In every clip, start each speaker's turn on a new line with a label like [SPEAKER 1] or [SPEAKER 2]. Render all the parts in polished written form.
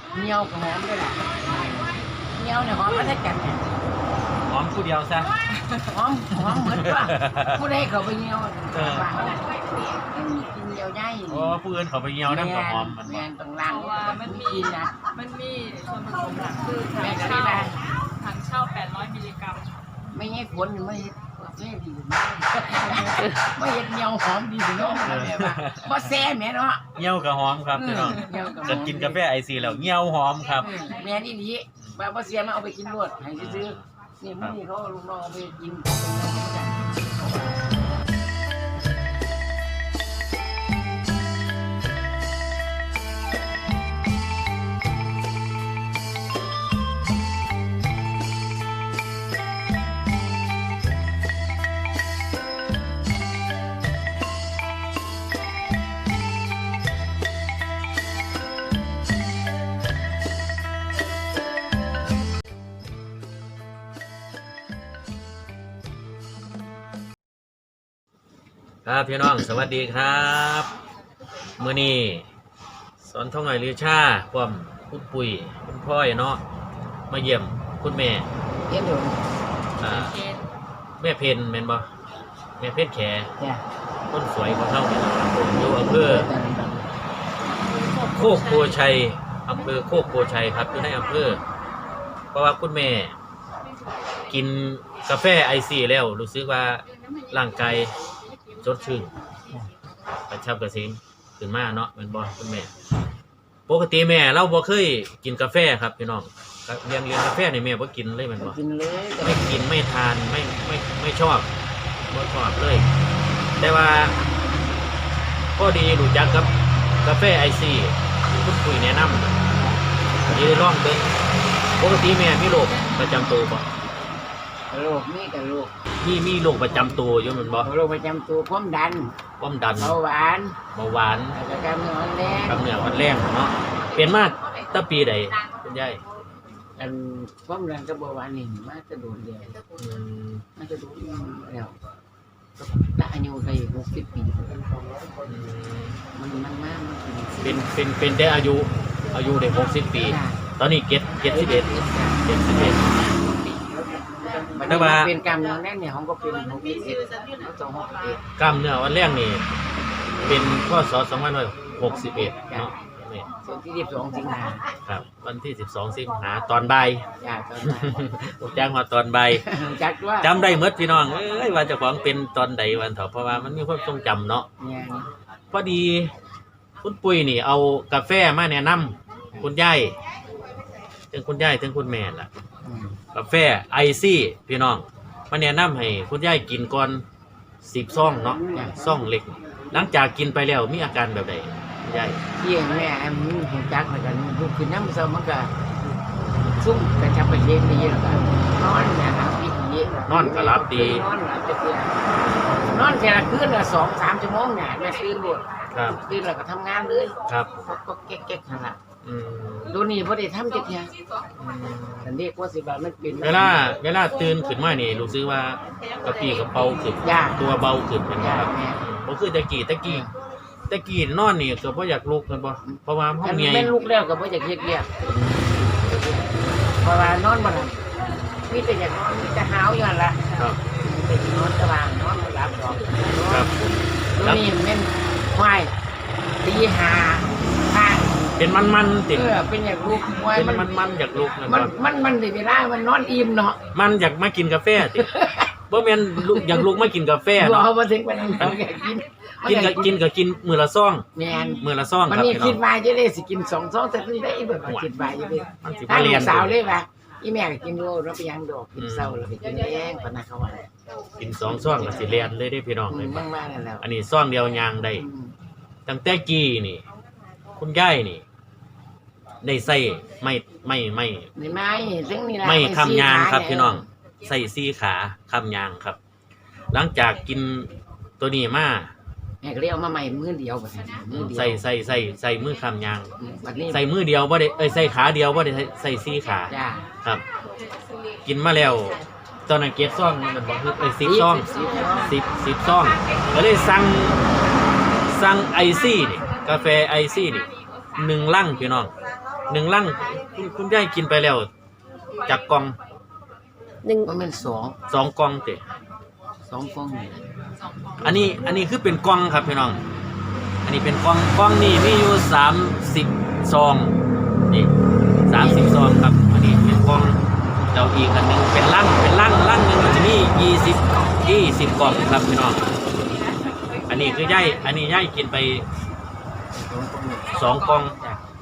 [SPEAKER 1] เงี้ยวกับหอมด้วยล่ะเงี้ยวเนี่ยหอมมาได้กันเนี่ย
[SPEAKER 2] หอมผู้เดียวซะ
[SPEAKER 1] หอมเหมือนว่าผู้ใดเขาไปเงี้ยววางไม่มีกินเดียวได้
[SPEAKER 2] โอ้ผู้อื่นเขาไปเหี่ยวน้ำกับหอมมัน
[SPEAKER 1] แมนตรงล่างว่ามันมีกินนะ
[SPEAKER 3] มันมีส่วนผสมหลักคือ
[SPEAKER 1] แม่
[SPEAKER 3] ถัง
[SPEAKER 1] ก็ได้
[SPEAKER 3] เช่า800 มิลลิกรัม
[SPEAKER 1] ไม่ให้ผลไม่เห็ดแซ่ดีไม่เห็ดเงี้ยวหอมดีสิน้องแม่ว่าบ่แซ่แม่เนาะ
[SPEAKER 2] เหี่ยวกับหอมครับพี่น้อง
[SPEAKER 1] เงี้ยวกับหอ
[SPEAKER 2] จะ
[SPEAKER 1] ม
[SPEAKER 2] กินกาแฟไอซีแล้วเหี่ยวหอมครับ
[SPEAKER 1] แม่นี่ดีว่าบ่เสียมาเอาไปกินรวดให้ซื้อนี่มื้อนี้เขาลูกน้องเอาไปกินเป็น
[SPEAKER 2] ครับพี่น้องสวัสดีครับมื้อนี้สอนท่องหน่อยลือชาความคุณปุ๋ยคุณพ่อยเนาะมาเยี่ยมคุณแม่
[SPEAKER 1] เย็นอยู่
[SPEAKER 2] อ่า
[SPEAKER 3] เกณฑ์
[SPEAKER 2] แม่เพนแม่นบ่แม่เพนแข
[SPEAKER 1] จ้ะ
[SPEAKER 2] คนสวยของเฮานี่นะครับผมอยู่อำเภอโคกโพชัยอำเภอโคกโพชัยครับอยู่ในอำเภอเพราะว่าคุณแม่กินกาแฟไอซีแล้วรู้สึกว่าร่างกายสดชื่นกระชับกระเซ็งขึ้นมาเนาะแม่นบ่คุณแม่ปกติแม่เราบ่เคยกินกาแฟครับพี่น้องเรียนกาแฟนี่แม่บ่กินเลยแม่นบ่
[SPEAKER 1] กินเลยแต่
[SPEAKER 2] ไม่กินไม่ทานไม่ชอบไม่ชอบเลย แต่ว่าก็ดีรู้จักกับกาแฟไอซีคุณคุยแนะนำดีลองเบิ่งปกติแม่มีโรคประจำตัวบ่
[SPEAKER 1] โรคนี่กับโรค
[SPEAKER 2] มีโรคประจำตัวอยู่แมันบ่
[SPEAKER 1] โรคประจำตัวความดัน
[SPEAKER 2] ความดัน
[SPEAKER 1] เบาหวาน
[SPEAKER 2] เบาหวาน
[SPEAKER 1] แล้วก็กล้ามเนื้ออ่อนแรง
[SPEAKER 2] กำเนิดวันแรงเนาะเป็นมาตั้งปีใดคุณยาย
[SPEAKER 1] อันความดันกับเบาหวานนี่มาจะโดนเดียว
[SPEAKER 2] อืม
[SPEAKER 1] มาจะโดนแล้วถ้าอายุได้60 ปีมันมากมัน
[SPEAKER 2] เป็นได้อายุได้60 ปี ตอนนี้71
[SPEAKER 1] มัน
[SPEAKER 2] แต่ว่า
[SPEAKER 1] เป็นกล้ามเนื้อแน่นเนี่ยของก็เป็น61แล้ว261
[SPEAKER 2] กล้ามเนื้อวันแรกนี่เป็นพศ2561เนาะนี่
[SPEAKER 1] ส่วนที่12สิงหา
[SPEAKER 2] ครับวันที่12สิงหาตอนบ่าย
[SPEAKER 1] จ้าตอนนั้น
[SPEAKER 2] แจ้งว่าตอนบ่าย
[SPEAKER 1] จักว่า
[SPEAKER 2] จำได้หมดพี่น้องเอ้ยว่าเจ้าของเป็นตอนใดวันเถอะเพราะว่ามันมีความทรงจำเนาะ
[SPEAKER 1] เนี่ย
[SPEAKER 2] พอดีคุณปุ้ยนี่เอากาแฟมาแนะนำคุณยายถึงคุณยายถึงคุณแม่ล่ะ กาแฟไอซี่พี่น้องมาแนะนำให้คุณยายกินก่อน10ซองเนาะซองเล็ก หลังจากกินไปแล้วมีอาการแบบใดคุณยาย
[SPEAKER 1] เที่ยงแม่มึงหูจักเหมือนกันลูกขึ้นน้ำเสามันก็ซุ่มกระชับกระเชงดีแล้วก็นอนเนี่ยครับพี่ดี
[SPEAKER 2] นอนก็หลับดี
[SPEAKER 1] นอนหลับจะเที่ยงนอนแค่ละคืนละ2-3 ชั่วโมงเนี่ยแม่ตื่นหมด
[SPEAKER 2] ครับ
[SPEAKER 1] ตื่นแล้วก็ทำงานเลย
[SPEAKER 2] ครับ
[SPEAKER 1] ก็แก๊กๆขนาด
[SPEAKER 2] อืม
[SPEAKER 1] ดูนี่พอได้ทำจะเที่ยงแต่เรียกว่าสิบามันเป็น
[SPEAKER 2] เวลาตื่นขึ้นมานี่รู้สึกว่ากระปี้กระเป๋าขึ้น
[SPEAKER 1] ยาก
[SPEAKER 2] ตัวเบาขึ้นเป็นบ่ครับ
[SPEAKER 1] แม่
[SPEAKER 2] บ่คือตะกี้นอนนี่ก็บ่อยากลุกกันบ่เพราะว่าเฮา
[SPEAKER 1] อัน
[SPEAKER 2] เมี
[SPEAKER 1] นี้
[SPEAKER 2] ย
[SPEAKER 1] แม่ลูกแล้วก็บ่อยากเฮ็ดเรียกเพราะว่านอนบ่หลับมีแต่อยากนอนมีแต่หาวอยู่นั่นล่ะ
[SPEAKER 2] ครับ
[SPEAKER 1] ไปนอนสว่างนอนหลับดอก
[SPEAKER 2] ครับ
[SPEAKER 1] แล้วนี่แม่นควายตีหาข้าง
[SPEAKER 2] เป็นมันติด
[SPEAKER 1] เป็นอย่างลูกควาย
[SPEAKER 2] เป็น
[SPEAKER 1] มัน
[SPEAKER 2] อยากลุกนะ
[SPEAKER 1] มัน
[SPEAKER 2] บ่
[SPEAKER 1] มันได้เวลามันนอนอิ่มเนาะ
[SPEAKER 2] มันอยากมากินกาแฟติบ่แม่นลุกอยากลุกมากินกาแฟ
[SPEAKER 1] รอ
[SPEAKER 2] เนาะ
[SPEAKER 1] มาถึงวันนั้นมันอยากกิน
[SPEAKER 2] กินมื้อละซอง
[SPEAKER 1] แม่น
[SPEAKER 2] มื้อละซอง
[SPEAKER 1] มัน
[SPEAKER 2] ครับ
[SPEAKER 1] นี่
[SPEAKER 2] พี่น้
[SPEAKER 1] คิ
[SPEAKER 2] อ
[SPEAKER 1] ด
[SPEAKER 2] ง
[SPEAKER 1] ว่าจะได้สิกิน2 ซองแต่คือได้แบบว่าคิดว่าจะได้
[SPEAKER 2] มันสิ
[SPEAKER 1] ถ้า
[SPEAKER 2] มา
[SPEAKER 1] ลู
[SPEAKER 2] เรียน
[SPEAKER 1] กสาวเลยว่าอีแม่ก็กินโลแล้วไปยังดอกกินเศร้าแล้วไปกินแรงปะนะเขาว่า
[SPEAKER 2] กิน2ซองก็สิเรียนเลยเด้พี่น้องเลย
[SPEAKER 1] มั่งมานั่นแล้ว
[SPEAKER 2] อันนี้ซองเดียวยางได้ตั้งแต่กี้นี่ คุณยายนี่ ได้ใส่ไม่
[SPEAKER 1] นี่ไม้ซึ่งนี่ล่ะ
[SPEAKER 2] ไม่คำยางครับ
[SPEAKER 1] 4
[SPEAKER 2] พี่น้องใส่4 ขาคำยางครับ หลังจากกินตัวนี้มา
[SPEAKER 1] แม่ก็เลยเอามาใหม่มื้อเดียวบัดนี้มื้อเดียว
[SPEAKER 2] ใส่มือคำยาง
[SPEAKER 1] บัดนี้
[SPEAKER 2] ใส่มือเดียวบ่ได้ใส่ขาเดียวบ่ได้ใส่4 ขา
[SPEAKER 1] จ้า
[SPEAKER 2] ครับ กินมาแล้ว ตอนนั้นเก็บซองมันบอกคือ10 ซอง10 ซองก็เลยสั่งไอซี่นี่กาแฟไอซี่นี่1 ลังพี่น้อง 1ลังคุณยายกินไปแล้วจากกล่อง
[SPEAKER 1] มันเป็น
[SPEAKER 2] 2กล่องเตะ
[SPEAKER 1] 2กล่องนี่
[SPEAKER 2] อันนี้คือเป็นกล่องครับพี่น้อง อันนี้เป็นกล่องนี่มีอยู่30ซองนี่30ซองครับอันนี้เป็นกล่องเจ้าอีกอันนึงเป็นลังลังนึงมันจะมี20กล่องครับพี่น้องอันนี้คือย่ายกินไป2กล่อง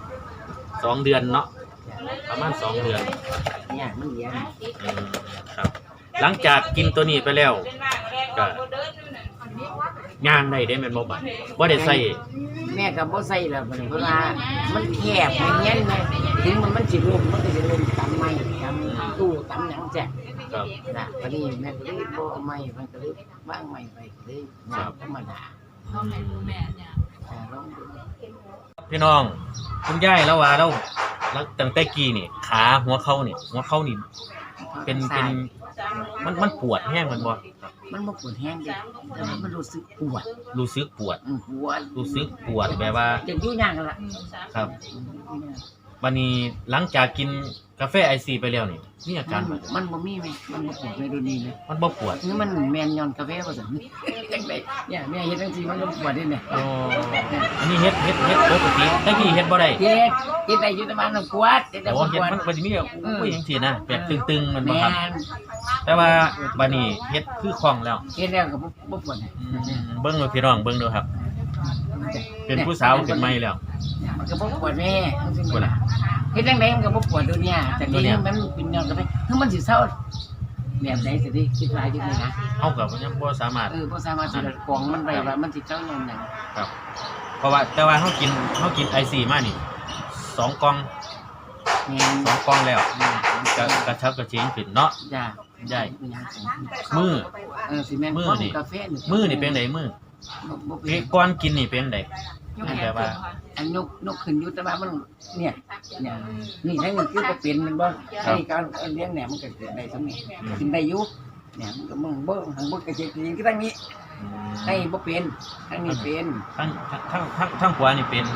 [SPEAKER 2] 2เดือนเนาะประมาณ2เดือน
[SPEAKER 1] เนี่ยมันเลี้ยง
[SPEAKER 2] ครับ หลังจากกินตัวนี้ไปแล้วก็ย่างได้แม่นบ่บัดบ่ได้ใส่
[SPEAKER 1] แม่ก็บ่ใส่แล้วบัดนี้เพราะว่ามันแคบอย่างเงี้ยแม่ถึงมันสิลมมันก็สิลมตำไม้ตำตู้ตำหยังแจ๊ะ
[SPEAKER 2] ครับ
[SPEAKER 1] น่ะพอดีแม่ก็เลยบ่เอาไม้มันก็เลยว่างไม้ไปก็เลยย่างธรรมดา
[SPEAKER 3] ต้องให้ดูแม่เนี่ย
[SPEAKER 1] ลองดู
[SPEAKER 2] พี่น้องคุณยายแล้วว่าแล้วตั้งแต่กี้นี่ขาหัวเข่านี่เป็นมันปวดแห้งมันบ่
[SPEAKER 1] มันบ่ปวดแห้งเด้แต่มันรู้สึกปวด
[SPEAKER 2] รู้สึกปวด
[SPEAKER 1] ปวด
[SPEAKER 2] รู้สึกปวดแบบว่า
[SPEAKER 1] จะอยู่ย่างกันล่ะ
[SPEAKER 2] ครับวันนี้หลังจากกินกาแฟไอซีไปแล้วนี่มีอาการแบบ
[SPEAKER 1] มันบ่มีไหมมันบ่ปวดในดูนี้เลย
[SPEAKER 2] มันบ่ปวด
[SPEAKER 1] นี่มันแม่นย้อนกาแฟบ่ซั่นจังได๋เนี่ยแม่เฮ็ดจังซี่มันบ่ปวดเด้เนี่ย
[SPEAKER 2] โอ้อันนี้เฮ็ดปกติแต่กี้เฮ็ดบ่ได้
[SPEAKER 1] เฮ็ดได้อยู่แต่มันต้องปวดเฮ็ดได้
[SPEAKER 2] แต่
[SPEAKER 1] บ่
[SPEAKER 2] ว่า
[SPEAKER 1] ป
[SPEAKER 2] เฮ็ด
[SPEAKER 1] วด
[SPEAKER 2] มันสิมีอุ้ยจังซี่นะแบบตึงๆมันบ่
[SPEAKER 1] แม่
[SPEAKER 2] ครับ
[SPEAKER 1] น
[SPEAKER 2] แต่ว่าบัดนี้เฮ็ดคือคล่องแล้ว
[SPEAKER 1] เฮ็ดแล้วก็บ่ปวด
[SPEAKER 2] เบิ่งเลยพี่น้องเบิ่งดูครับ เป็นผู้สาวขึ้นใหม่แล้ว
[SPEAKER 1] มันก็บ่ปวดแม่เฮ็ดจังได๋มันก็บ่ปวดดูเนี่ยแต่นี่มันเป็นย้อนกาแฟคือมันสิเซาแบบใดสิคิดว่าอยู่นี่นะ
[SPEAKER 2] เฮาก็ยังบ่สามารถ
[SPEAKER 1] บ่สามารถสิกองมันไว้ว่ามันสิเซาอย่างหยัง
[SPEAKER 2] ครับ เพราะว่าแต่ว่าเฮากินไอซีมานี่2กล่อง
[SPEAKER 1] แม่น
[SPEAKER 2] 2กล่องแล้วก็กระชับกระเฉงขึ้นเนาะ
[SPEAKER 1] จ้า
[SPEAKER 2] ใหญ่มือ
[SPEAKER 1] สิแม่น
[SPEAKER 2] มื้อนี่
[SPEAKER 1] กาแฟนี่
[SPEAKER 2] มือนี่เป็นไดมือ
[SPEAKER 1] บ่เป็
[SPEAKER 2] เอ๊ะ
[SPEAKER 1] น
[SPEAKER 2] ก่อนกินนี่เป็นได
[SPEAKER 3] ยกแขนขึ้นค่ะ
[SPEAKER 1] อันนกขึ้นอยู่แต่ว่ามันเนี่ยนี่ทั้งนี้คือบ่เป็นมันบ่อันนี้การเลี้ยงแหนมมันก็เกิดได้ซั่นนี่กินได้อยู่เนี่ยมันก็มึงบ่หังบ่กระเจิงคือทางนี้ให้บ่เป็นทางนี้เป็น
[SPEAKER 2] ทั้งขวานี่เป็น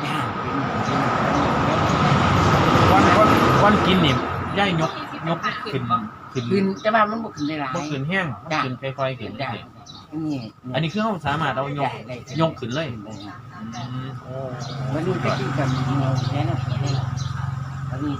[SPEAKER 2] ก่อนกินนี่ย่ายยกขึ้น
[SPEAKER 1] ขึ้นแต่ว่ามันบ่ขึ้นได้หลาย
[SPEAKER 2] บ่ขึ้นแห้งมันขึ้นค่อยๆขึ้น
[SPEAKER 1] ได้นี่
[SPEAKER 2] อันนี้คือเฮาสามารถเอายกขึ้นเลยโอ้
[SPEAKER 1] มันดูตะกี้กับแน่นอนอันนี้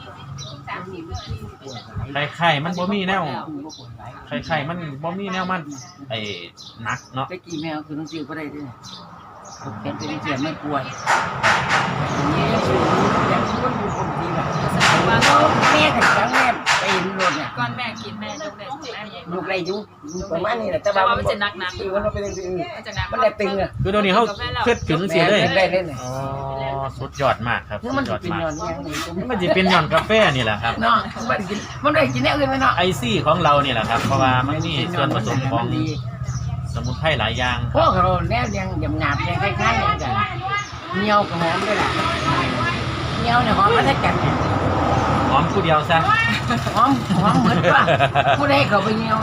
[SPEAKER 2] ไข่มันบ่มีแนวไข่มันบ่มีแนวมันไอ้หนักเนาะ
[SPEAKER 1] ตะกี้แมวคือต้องซื้อบ่ได้ด้วยเป็นเสียไม่ปวดนี่สูงอย่างที่มันดูคนดีแบบ
[SPEAKER 3] แสดงว่า
[SPEAKER 1] แม่กับจังแม่ไปรถเนี่ย
[SPEAKER 3] ก่อนแม่กินแม่ยกได้แม่ยัง
[SPEAKER 1] ลูกไรอยู่ประมาณนี้แหละแต่
[SPEAKER 3] แต่
[SPEAKER 1] ว่า
[SPEAKER 3] ว่ามันจะหนัก
[SPEAKER 1] คือมันเป็นสิ่ง
[SPEAKER 3] มันจะหนัก
[SPEAKER 1] มันได้ตึงอ่ะ
[SPEAKER 2] คือตอนนี้เฮาขึ้นถึงสิเลย
[SPEAKER 1] ได้เล่น
[SPEAKER 2] อ๋อสุดยอดมากครับ
[SPEAKER 1] คือ
[SPEAKER 2] สุ
[SPEAKER 1] มัน
[SPEAKER 2] ดยอด
[SPEAKER 1] เป็น
[SPEAKER 2] มาก
[SPEAKER 1] นอนอย่างนี้
[SPEAKER 2] มันสิเป็นหย่อนกาแฟนี่แหละครับ
[SPEAKER 1] เนาะมันได้กินแนวอื่นไหมเนาะ
[SPEAKER 2] ไอซี่ของเรานี่แหละครับ เพราะว่ามันมีส่วนผสมของสมุนไพรหลายอย่าง
[SPEAKER 1] พวกเราแนวยังยำหนาบยังคล้ายๆกันเงี้ยวกับหอมด้วยล่ะเงี้ยวเนี่ยหอมก็ได้กัน
[SPEAKER 2] หอมผู้เดียวซะ
[SPEAKER 1] หอมเหมือนว่าผู้ใดเขาไปเงี้ยว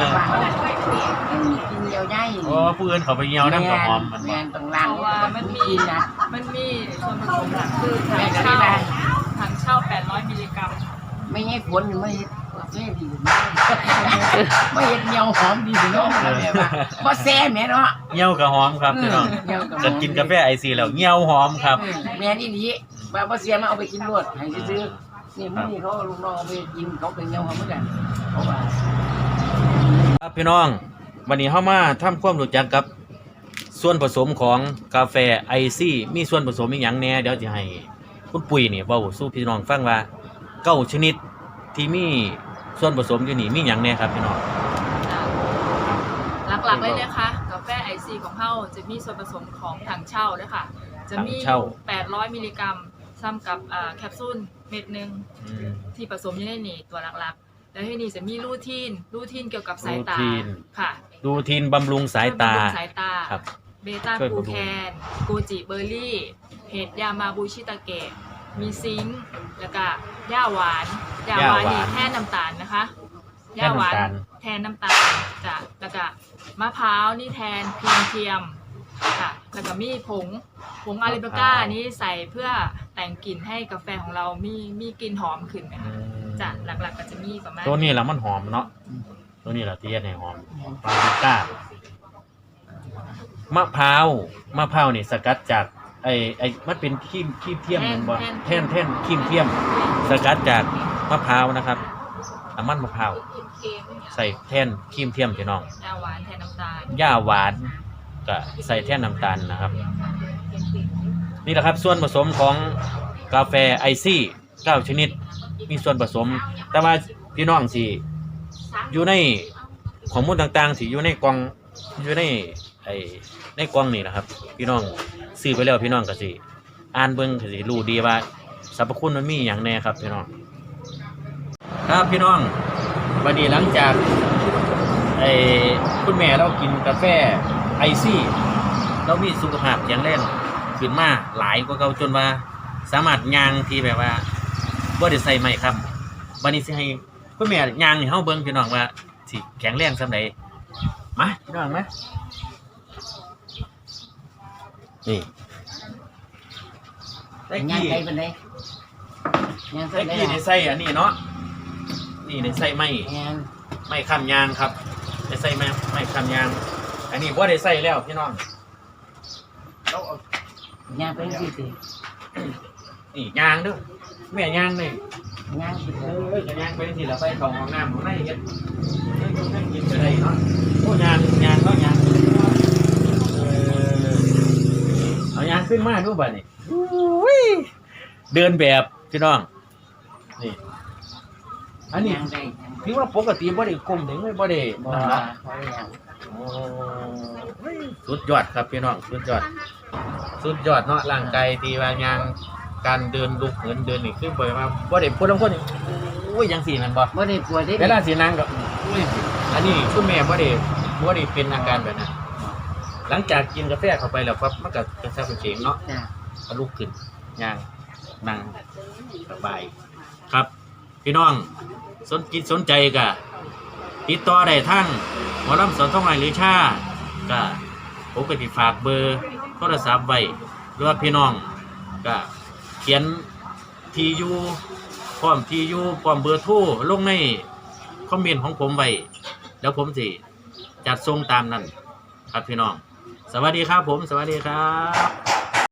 [SPEAKER 1] กินเงี้ยวใหญ่
[SPEAKER 2] โอ้ผู้อื่นเขาไปเหี่ยวน้ำกับหอมมัน
[SPEAKER 1] แม
[SPEAKER 2] บ่
[SPEAKER 1] นตรงล่าง
[SPEAKER 3] เพราะว่ามันมี
[SPEAKER 1] กินนะ
[SPEAKER 3] ส่วนผสมหลักคือถังเช่า800 มิลลิกรัม
[SPEAKER 1] ไม่ให้ขวนไม่ให้แซ่ดีไม่เห็นเงี้ยวหอมดีสิเนาะว่าแซ่แม่เนาะ
[SPEAKER 2] เหี่ยวกับหอมครับพี่น้องจะกินกาแฟไอซีแล้วเหี่ยวหอมครับ
[SPEAKER 1] แม่นี่ดีว่าเสียมาเอาไปกินรวดให้ซื้อนี่มื้อนี้เขาลูกน้องเอาไปกินเขาเป็นเงี้ยวหอมเหมือนกันเพราะว่า
[SPEAKER 2] ครับพี่น้องวันนี้เฮามาทำความรู้จักกับส่วนผสมของกาแฟไอซี่มีส่วนผสมอีหยังแหน่เดี๋ยวจะให้คุณปุ๋ยนี่เว้าสู่พี่น้องฟังว่า9ชนิดที่มีส่วนผสมอยู่นี่มีหยังแหน่ครับพี่น้อง
[SPEAKER 3] หลักๆเลยนะคะกาแฟไอซีของเฮาจะมีส่วนผสมของถังเช่าด้วยค่ะจะมี800 มิลลิกรัมซ้ำกับแคปซูลเม็ดนึงที่ผสมอยู่ในนี่ตัวหลักๆแล้วที่นี่จะมีลูทีนเกี่ยวกับสายตาค่ะ
[SPEAKER 2] ดูทีนบำรุงสายตา
[SPEAKER 3] บำรุงสายตา
[SPEAKER 2] ครับ
[SPEAKER 3] เบต้ากูแคนโกจิเบอร์รี่เห็ดยามาบูชิตาเกะมีซิงค์แล้วก็ย่าหวานนี่แทนน้ำตาลนะคะย่าหวานแทนน้ำตาลจ้ะแล้วก็มะพร้าวนี่แทนครีมเทียมค่ะแล้วก็มีผงอาริเบก้านี้ใส่เพื่อแต่งกลิ่นให้กาแฟของเรามีกลิ่นหอมขึ้นนะคะจะหลักๆก็จะมีประมาณ
[SPEAKER 2] ตัวนี้ละมันหอมเนาะตัวนี้ละที่เฮ็ดให้หอมปาปริก้ามะพร้าวนี่สกัดจากไอ้มันเป็นครีมเทียมแม่นบ่แท่นครีมเทียมสกัดจากมะพร้าวนะครับน้ำมันมะพร้าวใส่แท่นครีมเทียมพี่น้อง
[SPEAKER 3] ยาหวานแทนน้ำตาล
[SPEAKER 2] หญ้าหวานก็ใส่แท่นน้ำตาลนะครับนี่แหละครับส่วนผสมของกาแฟไอซี่9ชนิดมีส่วนผสมแต่ว่าพี่น้องสิอยู่ในข้อมูลต่างๆสิอยู่ในกล่องอยู่ในกล่องนี่นะครับพี่น้องซื้อไปแล้วพี่น้องก็สิอ่านเบิ่งก็สิรู้ดีว่าสรรพคุณมันมีหยังแน่ครับพี่น้องครับพี่น้องวันนี้หลังจากคุณแม่เรากินกาแฟไอซี่เรามีสุขภาพแข็งแรงขึ้นมาหลายกว่าเก่าจนว่าสามารถย่างที่แบบว่าบ่ได้ใส่ไม้ค้ำวันนี้สิให้คุณแม่ย่างให้เฮาเบิ่งพี่น้องว่าสิแข็งแรงส่ำใดมาพี่น้องมานี่ได้
[SPEAKER 1] ย่าง
[SPEAKER 2] กี่
[SPEAKER 1] ไกลปานใดย่างไกล
[SPEAKER 2] ได้กี่ได้ใส่อันนี้เนาะนี่ได้ใส่ไม้
[SPEAKER 1] ย่าง
[SPEAKER 2] ไม่ค้ำยางครับได้ใส่ไม่ค้ำยางอันนี้บ่ได้ใส่แล้วพี่น้องเราเอา
[SPEAKER 1] ย่างไปสิสิ
[SPEAKER 2] นี่ยางเด้อแม่ยางนี่
[SPEAKER 1] ย่างสิ
[SPEAKER 2] จะยางไปสิแล้วไปเข้าห้องน้ำของในเฮ็ดให้กินไปได้เนาะโอ้ยางเนาะยางเอายางขึ้นมาดูบัดนี้เดินแบบพี่น้องนี่อันนี้
[SPEAKER 1] ย่างได้
[SPEAKER 2] ถือว่าปกติบ่ได้ก้มถึงบ่ได้
[SPEAKER 1] บ่
[SPEAKER 2] นั่น
[SPEAKER 1] ว่า
[SPEAKER 2] เนาะ
[SPEAKER 1] ย่าง
[SPEAKER 2] โอ้สุดยอดครับพี่น้องสุดยอดเนาะร่างกายที่ว่ายางการเดินลุกเหินเดินนี่คือบ่ได้มาบ่ได้พูดลางคนนี่โอ้ยจังซี่แม่นบ่
[SPEAKER 1] บ่ได้ปวดได้
[SPEAKER 2] เวลาสินั่งก็อุ้ยอันนี้คุณแม่บ่ได้เป็นอาการแบบนั้นหลังจากกินกาแฟเข้าไปแล้วปั๊บมันก็จะซับเฉงเนาะ
[SPEAKER 1] จ้ะ
[SPEAKER 2] ก็ลุกขึ้นย่างนั่งสบายครับ พี่น้องสนใจก็ติดต่อได้ทั้งหมอลำสอนท่องไหหรือชาก็ผมก็สิฝากเบอร์โทรศัพท์ไว้หรือว่าพี่น้องก็เขียนที่อยู่พร้อมเบอร์โทรลงในคอมเมนต์ของผมไว้แล้วผมสิจัดส่งตามนั้นครับพี่น้องสวัสดีครับผมสวัสดีครับ